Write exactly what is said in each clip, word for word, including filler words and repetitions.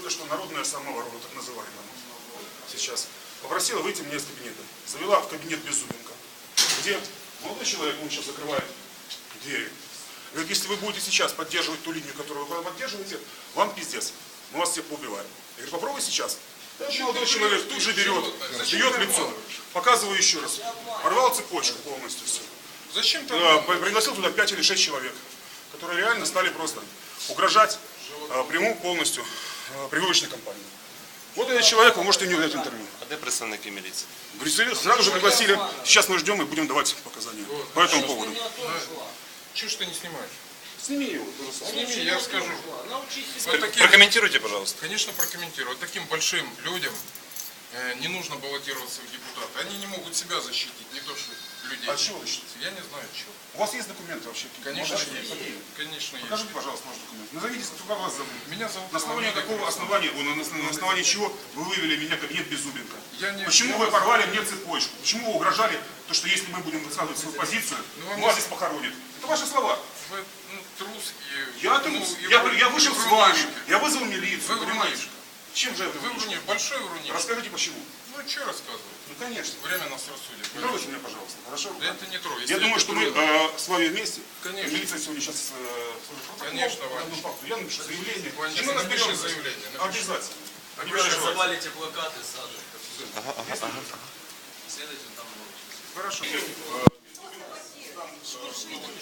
только что народная самооборона, так называемая, сейчас, попросила выйти мне из кабинета. Завела в кабинет Беззубенко, где молодой человек, он сейчас закрывает двери. Говорит, если вы будете сейчас поддерживать ту линию, которую вы поддерживаете, вам пиздец. Мы вас всех поубиваем. Я говорю, попробуй сейчас. Этот молодой человек тут же берет, бьет лицо. Показываю еще раз. Порвал цепочку полностью все. Зачем ты? Пригласил туда пять или шесть человек, которые реально стали просто угрожать а, прямому полностью а, прививочной кампании. Вот этот человек, вы можете у него дать интервью. А где представники милиции? Сразу же пригласили. Сейчас мы ждем и будем давать показания вот. По этому поводу. Чего ж ты не снимаешь? Сними его. Сними, я скажу. Вот таким... Прокомментируйте, пожалуйста. Конечно, прокомментирую. Вот таким большим людям э, не нужно баллотироваться в депутаты. Они не могут себя защитить, не то что людей. А чего вы защитите? Я не знаю, чего. У вас есть документы вообще? Конечно, Можете? есть. Какие? Конечно, Покажите, есть. пожалуйста, ваш документ. Назовитесь, как вас зовут. Меня зовут На основании Иван какого основания, на, на, на основании чего вы вывели меня в кабинет Беззубенко? Я не, Почему я вы вас... порвали мне цепочку? Почему вы угрожали, то, что если мы будем высказывать свою позицию, ну, вас здесь похоронят? Это ваши слова. Вы ну, трус и... Я ну, трус. и Я, вы, я вышел вы с вами, врунишка. я вызвал милицию, Вы понимаете? врунишка. Чем же это Вы врунишка, большой врунишка. Расскажите, почему. Ну, что рассказывать? Ну, конечно. Время нас рассудит. Не трогайте меня, пожалуйста, хорошо? Да это не трогай. Я думаю, что мы э, с вами вместе. Конечно. Милиция сегодня сейчас... Э, Конечно, Ваня. Я напишу заявление. Ваня, И мы напиши разберемся. заявление. Напиши. Обязательно. Напиши. Обязательно. Завалите плакаты, сажи. Ага, ага, ага. Следуйте там научитесь. Хорошо.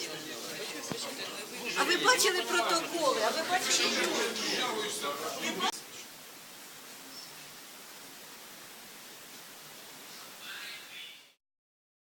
А ви бачили протоколи? А ви бачили?